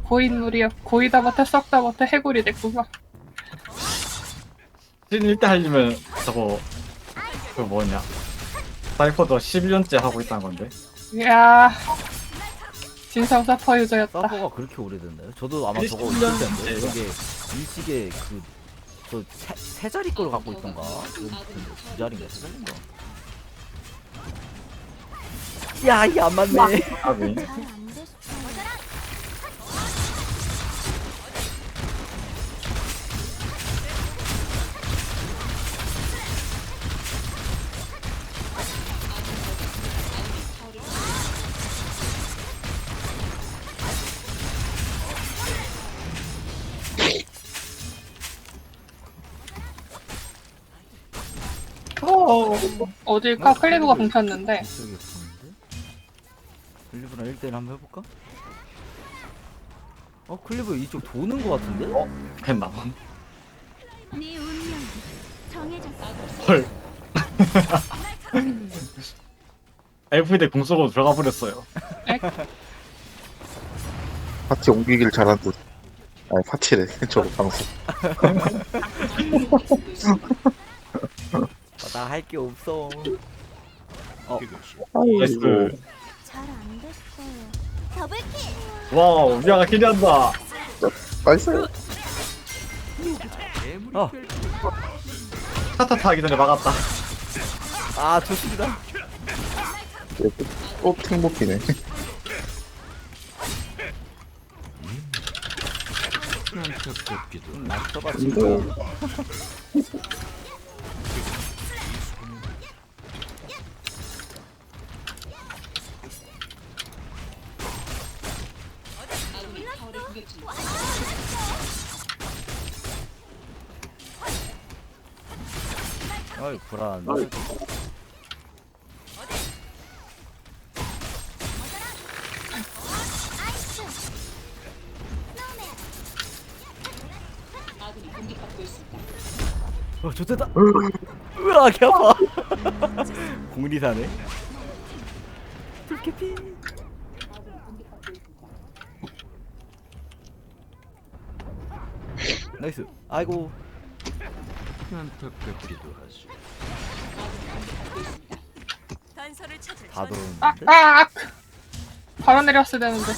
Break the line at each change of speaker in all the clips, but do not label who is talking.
고인물이여. 고이다 못해 썩다 못해 해골이 됐구만.
신 1대 하려면 저거 그 뭐냐 사이퍼도 11년째 하고 있다는 건데.
이야. 진성 서퍼 유저였다.
서버가 그렇게 오래됐나요? 저도 아마 저거
1년
있을 텐데
됐어요.
이게 일식에 세 자리 걸 갖고 있던가 두 자리인가 세 자리인가 야 이게 안 맞네
아비.
어딜까? 클리브가 뭉쳤는데.
이쪽에 보는데? 클리브랑 1대1 한번 해볼까? 클리브 이쪽 도는 거 같은데?
했나?
네 운명이 정해졌어.
헐. FD 공 쏘고 들어가 버렸어요.
파티 옮기기를 잘한 듯. 아니 파티래 저거 방송.
나 할 게 없어
나이스.
잘 안 됐어요. 더블킬.
와우, 미아가 기대한다.
나이스.
타타타 하기 전에 막았다.
좋습니다
또 탱복기네.
낙서가
이거
지금 어이 불안 좋됐다 으아 개 아파 공리사네 불캐피 나이스 아이고 다 들어오는데?
바로 내렸어야 되는데.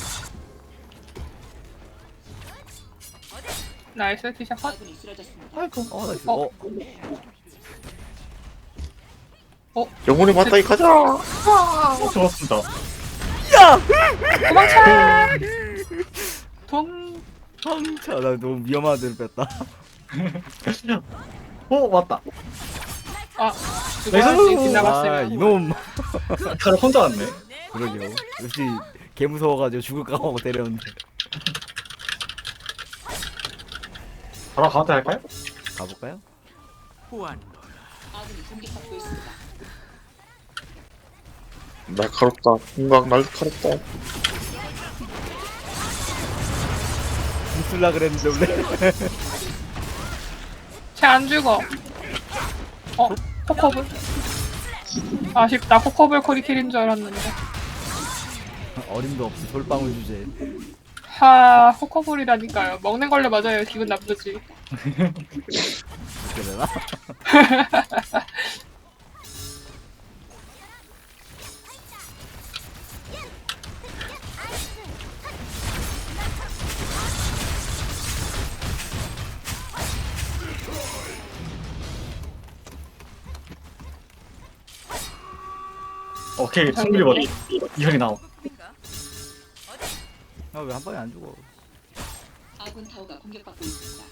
나이스 티샷 컷.
아이고 나이스
영혼의 맞다이 가자.
좋았습니다.
도망쳐! 돈.
황차 나 너무 위험한 데를 뺐다
맞다.
누구한테 지나갔으면.
이놈
칼을 혼자 왔네.
그러게요 역시 개 무서워가지고 죽을까 하고 때렸는데
바로 가운데 할까요?
가볼까요?
날카롭다. 공각 날카롭다.
웃을라 그랬는데 원래
쟤 안 죽어. 코커블? 아쉽다. 코커블 코리킬인 줄 알았는데.
어림도 없이 솔방울 주제
코커블이라니까요. 먹는 걸로 맞아요. 기분 나쁘지.
그렇게 되나?
오케이, 승리 버리. 이현이 나오.
왜 한 방에 안 죽어
아군 타워가 공격받고 있습니다.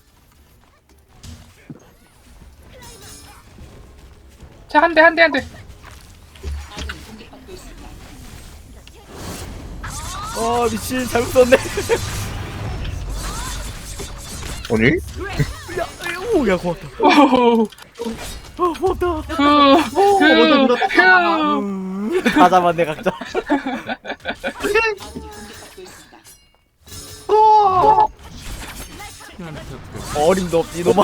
자, 한 대.
아군이 공격받고 있습니다.
미친 잘못 썼네
아니?
오야 고맙다 고맙다 다 잡았네 각자
아군이 공격받고 있습니다.
어림도 없지 이놈아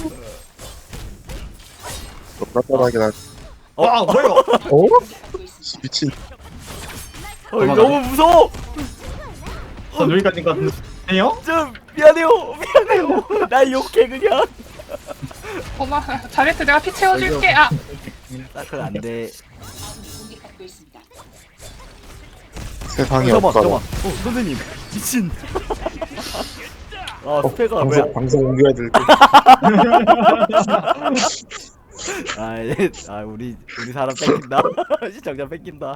납작하게 나.
뭐야?
어?
공격받고 있습니다.
미친.
너무 무서워
전 여기까지인 것 같은데. 아니요?
좀 미안해요. 나 욕해 그냥.
고마. 자네트 내가 피 채워줄게. 아
사클 안 돼.
아군이 공격받고 있습니다.
세상에
잠깐만
없다.
잠깐만. 선생님 미친. 아 스페가 뭐야?
방송 옮겨야 될 때.
우리 사람 뺏긴다. 시청자 뺏긴다.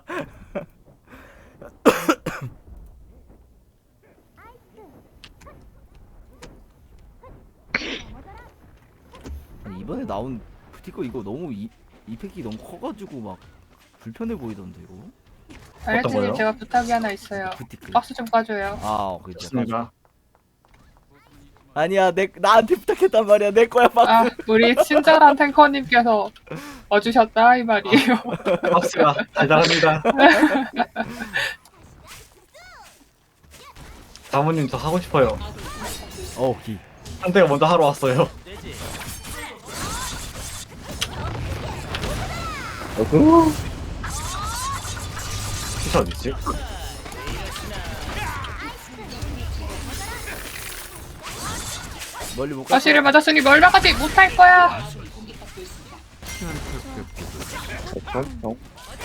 아니, 이번에 나온 부티코 이거 너무 이펙이 너무 커가지고 막 불편해 보이던데 이거.
자네트님
거요?
제가 부탁이 하나 있어요.
부티크.
박스 좀 까줘요.
아 그죠.
좋습니다.
아니야 나한테 부탁했단 말이야 내 거야 박스.
아 우리 친절한 탱커님께서 와주셨다 이 말이에요.
박스가 달달합니다. 사모님 저 하고 싶어요.
기.
상대가 먼저 하러 왔어요. 피셔 어딨지?
멀리 못 가.
가시를 맞았으니 멀나가지 못할 거야.
아군이 공격받고 있습니다.
어?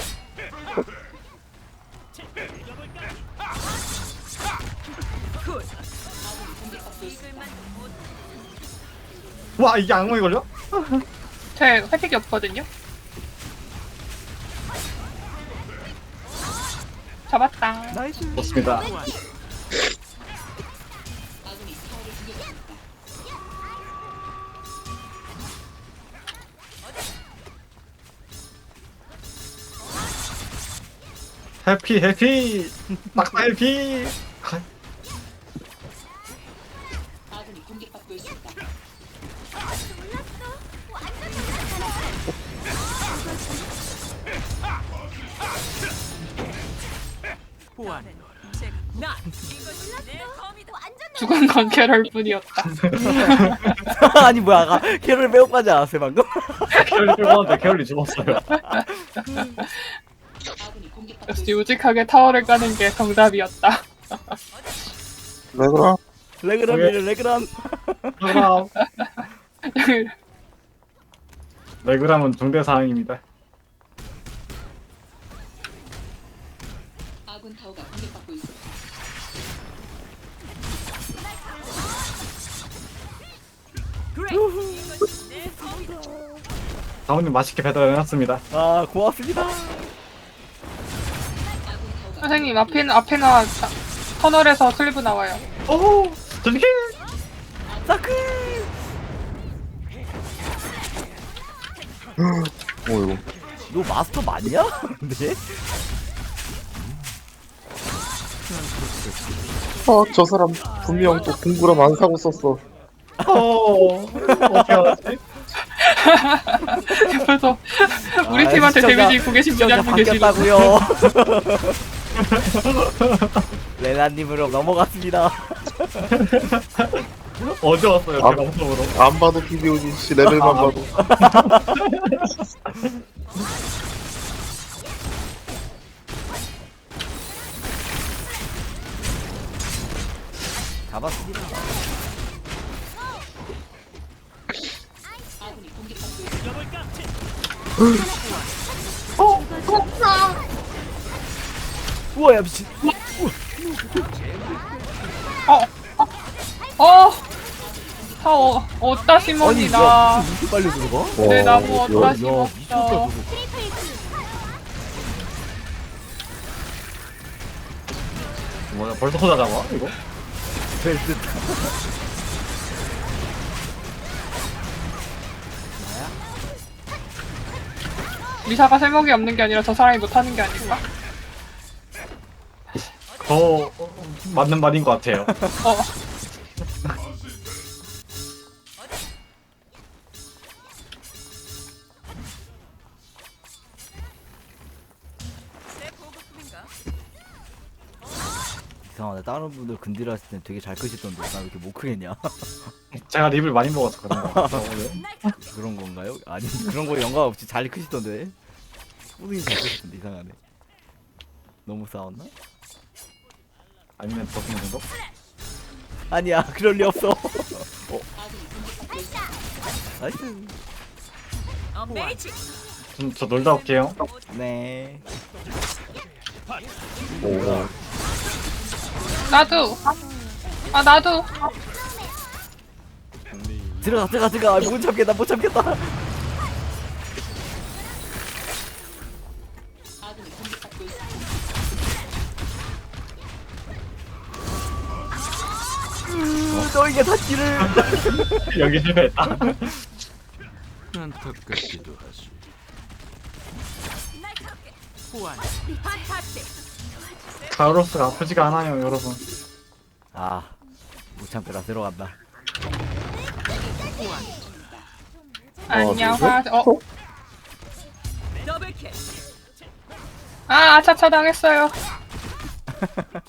공격받고 있습니다.
와 이게 악몽이 걸려?
제 회픽이 없거든요. 잡았다.
나이스.
좋습니다.
아군이 타워를 공격합니다.
해피 낙사 해피.
아군이 공격받고 있습니다.
죽은 건 캐럴 뿐이었다.
아니 뭐야 아까 캐롤 매혹하지 않았어요 방금?
캐롤이 죽었는데 캐롤이 죽었어요.
아군이 공격받고
역시
있습니다.
우직하게 타워를 까는 게 정답이었다.
왜 그럼?
레그람이래 레그람.
레그람. 레그람은 중대 사항입니다.
아군 타워가 공격받고 있습니다.
사모님 맛있게 배달해놨습니다.
아 고맙습니다.
아군 타워가
선생님 앞에나 터널에서 클리브 나와요.
오 저기
사클.
이거.
너 마스터 맞냐? 근데?
저 사람 분명 또 공구람 안 사고 썼어.
어떻게 알았지?
옆에서 우리
아,
팀한테
시청자-
데미지 입고 계신 분이 한 분 계시고.
바뀌었다고요. 레나님으로 넘어갔습니다.
어제 왔어요 제
아.
방송으로.
안 봐도 비디오지 씨 레벨만 봐도.
잡았습니다.
아군이 공격받고 있습니다.
우와 야 미친.
타워 어디다 심었니
아니
나.
야 무슨 이렇게 빨리 들어가?
내 나무
야,
어디다
야
심었어.
미쳤다 저거.
뭐야 벌써 혼자 잡아 이거?
벨트.
리사가 세목이 없는 게 아니라 저 사람이 못하는 게 아닐까?
더 맞는 말인 것 같아요.
어.
이상하네. 다른 분들 근딜 하실 땐 되게 잘 크시던데 나 왜 이렇게 못 크겠냐?
제가 립을 많이 먹어서 그런 거 같아요.
그런 건가요? 아니 그런 거 연관 없이 잘 크시던데. 꾸준히 잘 크시던데 이상하네. 너무 싸웠나?
아니면 더 좋은 정도?
아니야 그럴 리 없어. 나이스.
저 놀다 올게요.
네.
오.
나도. 아 나도.
들어가. 아, 못 참겠다.
아군이 공격받고 있습니다.
너에게 닿기를.
여기 실패했다.
안타깝기도 하지.
가로스가 아프지가 않아요, 여러분.
아, 못 참겠다. 들어간다.
안녕
누구죠?
화. 아 아차차 당했어요.